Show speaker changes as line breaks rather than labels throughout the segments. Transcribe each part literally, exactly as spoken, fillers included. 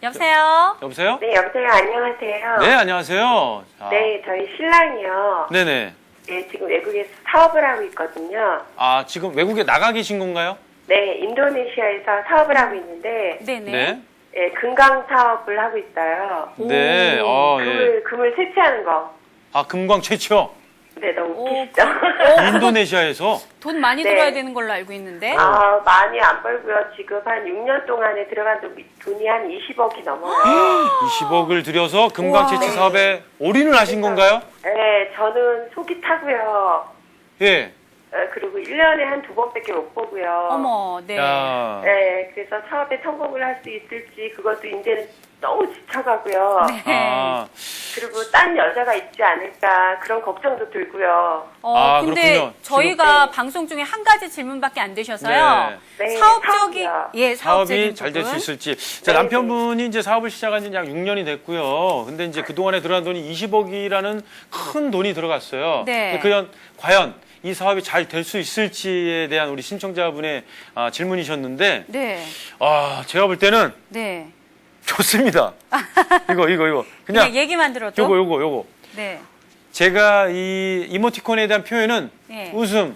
여보세요?
여보세요?
네, 여보세요. 안녕하세요.
네, 안녕하세요. 아,
네, 저희 신랑이요.
네네.
네, 지금 외국에서 사업을 하고 있거든요.
아, 지금 외국에 나가 계신 건가요?
네, 인도네시아에서 사업을 하고 있는데,
네네.
네.
네, 금강 사업을 하고 있어요.
네, 어, 예.
금을, 금을 채취하는 거.
아, 금광 최초.
네, 너무
오,
웃기시죠?
인도네시아에서.
돈 많이
네.
들어야 되는 걸로 알고 있는데.
아, 많이 안 벌고요. 지금 한 육 년 동안에 들어간 돈- 돈이 한 이십억이 넘어요.
이십억을 들여서 금광
우와.
채취 사업에 올인을 하신 건가요?
네, 저는 속이 타고요.
예.
어, 그리고 일 년에 한 두 번밖에 못 보고요.
어머, 네.
야.
네, 그래서 사업에 성공을 할 수 있을지 그것도 이제는 너무 지쳐가고요.
네.
아,
그리고 딴 여자가 있지 않을까 그런 걱정도 들고요.
어,
아,
근데
그렇군요.
저희가
지금-
방송 중에 한 가지 질문밖에 안 되셔서요.
네. 네,
사업적인,
사업이요.
예, 사업적인
사업이 잘 될 수
부분.
있을지. 자,
네,
남편분이 이제 사업을 시작한 지 약 육 년이 됐고요. 근데 이제 그동안에 들어간 돈이 이십억이라는 큰 돈이 들어갔어요.
네.
근데 그연, 과연 이 사업이 잘 될 수 있을지에 대한 우리 신청자분의 아, 질문이셨는데,
네.
아, 제가 볼 때는
네.
좋습니다. 이거, 이거, 이거.
그냥,
그냥,
얘기만 들어도.
요거, 요거, 요거.
네.
제가 이 이모티콘에 대한 표현은
네.
웃음,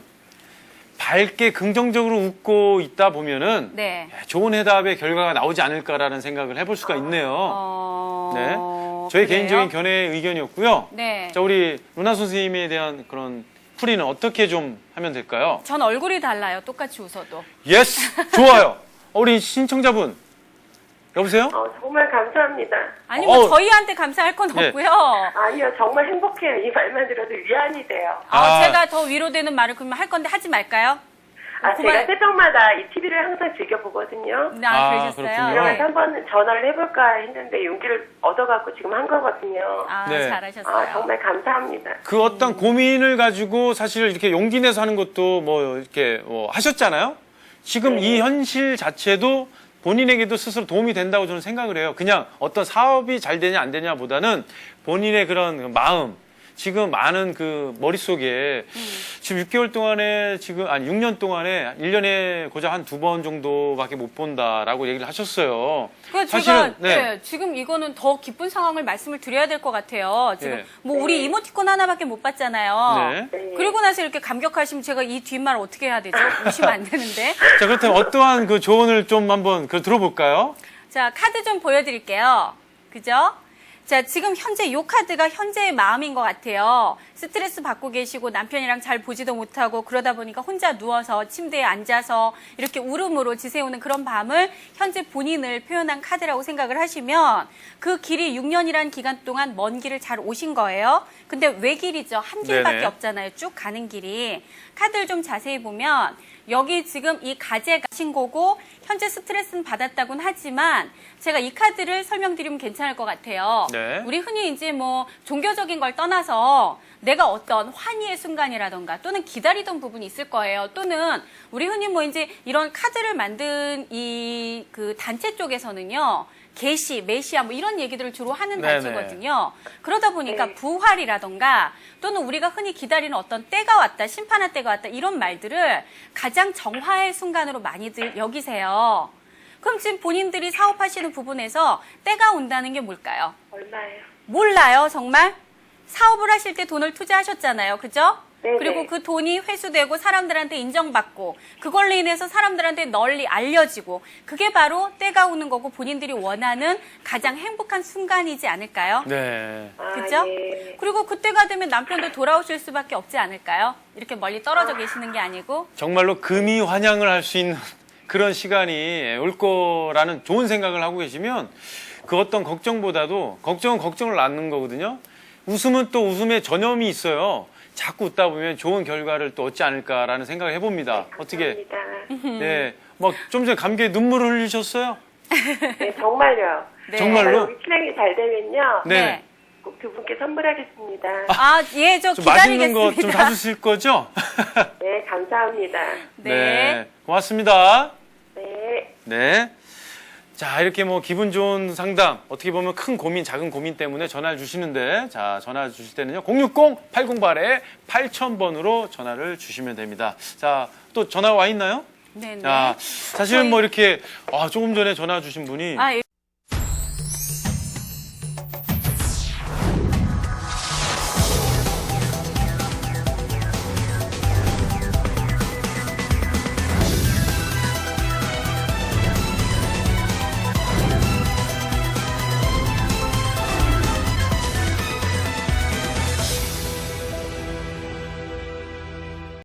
밝게 긍정적으로 웃고 있다 보면은
네.
좋은 해답의 결과가 나오지 않을까라는 생각을 해볼 수가 있네요.
어.
네. 저희
그래요?
개인적인 견해의 의견이었고요.
네.
자, 우리 루나 선생님에 대한 그런 풀이는 어떻게 좀 하면 될까요?
전 얼굴이 달라요. 똑같이 웃어도.
예스! 좋아요. 어, 우리 신청자분. 여보세요?
어, 정말 감사합니다.
아니, 뭐,
어.
저희한테 감사할 건
네.
없고요.
아니요, 정말 행복해요. 이 말만 들어도 위안이 돼요.
아,
아.
제가 더 위로되는 말을 그러면 할 건데 하지 말까요?
아,
그만-
제가 새벽마다 이 티비를 항상 즐겨보거든요.
아,
아,
그러셨어요?
그렇군요.
그래서 한번 전화를 해볼까 했는데 용기를 얻어갖고 지금 한 거거든요.
아,
네.
잘하셨어요.
아, 정말 감사합니다.
그 어떤 고민을 가지고 사실 이렇게 용기 내서 하는 것도 뭐 이렇게 뭐 하셨잖아요. 지금
네.
이 현실 자체도 본인에게도 스스로 도움이 된다고 저는 생각을 해요. 그냥 어떤 사업이 잘 되냐 안 되냐보다는 본인의 그런 마음, 지금 많은 그 머릿속에
음.
지금 육 개월 동안에 지금 아니 육 년 동안에 일 년에 고작 한 두 번 정도밖에 못 본다라고 얘기를 하셨어요.
그 제가
사실은 네.
네, 지금 이거는 더 기쁜 상황을 말씀을 드려야 될 것 같아요. 지금
네.
뭐 우리 이모티콘 하나밖에 못 봤잖아요.
네.
네.
그리고 나서 이렇게 감격하시면 제가 이 뒷말 어떻게 해야 되죠? 웃으면 안 되는데.
자, 그렇다면 어떠한 그 조언을 좀 한번 그 들어볼까요?
자, 카드 좀 보여드릴게요. 그죠? 자, 지금 현재 이 카드가 현재의 마음인 것 같아요. 스트레스 받고 계시고 남편이랑 잘 보지도 못하고 그러다 보니까 혼자 누워서 침대에 앉아서 이렇게 울음으로 지새우는 그런 밤을 현재 본인을 표현한 카드라고 생각을 하시면 그 길이 육 년이라는 기간 동안 먼 길을 잘 오신 거예요. 근데 왜 길이죠? 한 길밖에
네네.
없잖아요. 쭉 가는 길이. 카드를 좀 자세히 보면 여기 지금 이 가제가 신 거고 현재 스트레스는 받았다고는 하지만 제가 이 카드를 설명드리면 괜찮을 것 같아요.
네.
우리 흔히 이제 뭐 종교적인 걸 떠나서 내가 어떤 환희의 순간이라던가 또는 기다리던 부분이 있을 거예요. 또는 우리 흔히 뭐 이제 이런 카드를 만든 이 그 단체 쪽에서는요. 계시, 메시아 뭐 이런 얘기들을 주로 하는
네네.
단체거든요. 그러다 보니까
네.
부활이라던가 또는 우리가 흔히 기다리는 어떤 때가 왔다, 심판할 때가 왔다 이런 말들을 가장 정화의 순간으로 많이들 여기세요. 그럼 지금 본인들이 사업하시는 부분에서 때가 온다는 게 뭘까요?
얼마예요?
몰라요, 정말? 사업을 하실 때 돈을 투자하셨잖아요. 그죠?
네네.
그리고 그 돈이 회수되고 사람들한테 인정받고 그걸로 인해서 사람들한테 널리 알려지고 그게 바로 때가 오는 거고 본인들이 원하는 가장 행복한 순간이지 않을까요?
네.
아,
그죠?
예.
그리고 그때가 되면 남편도 돌아오실 수밖에 없지 않을까요? 이렇게 멀리 떨어져 계시는 게 아니고.
정말로 금이 환영을 할 수 있는 그런 시간이 올 거라는 좋은 생각을 하고 계시면 그 어떤 걱정보다도 걱정은 걱정을 낳는 거거든요. 웃음은 또 웃음의 전염이 있어요. 자꾸 웃다 보면 좋은 결과를 또 얻지 않을까라는 생각을 해봅니다. 어떻게?
감사합니다.
네. 막 좀 전에 감기에 눈물을 흘리셨어요?
네, 정말요.
네.
정말로?
우리 신랑이 잘 되면요.
네.
꼭 두 분께 선물하겠습니다.
아, 예, 저
좀 맛있는
기다리겠습니다.
거 좀 사주실 거죠?
네, 감사합니다.
네.
고맙습니다.
네.
네. 자, 이렇게 뭐 기분 좋은 상담, 어떻게 보면 큰 고민, 작은 고민 때문에 전화를 주시는데, 자, 전화 주실 때는요, 공육공 팔공팔 팔천 번으로 전화를 주시면 됩니다. 자, 또 전화 와 있나요?
네네.
자, 사실은 뭐 이렇게, 아, 조금 전에 전화 주신 분이
아, 예.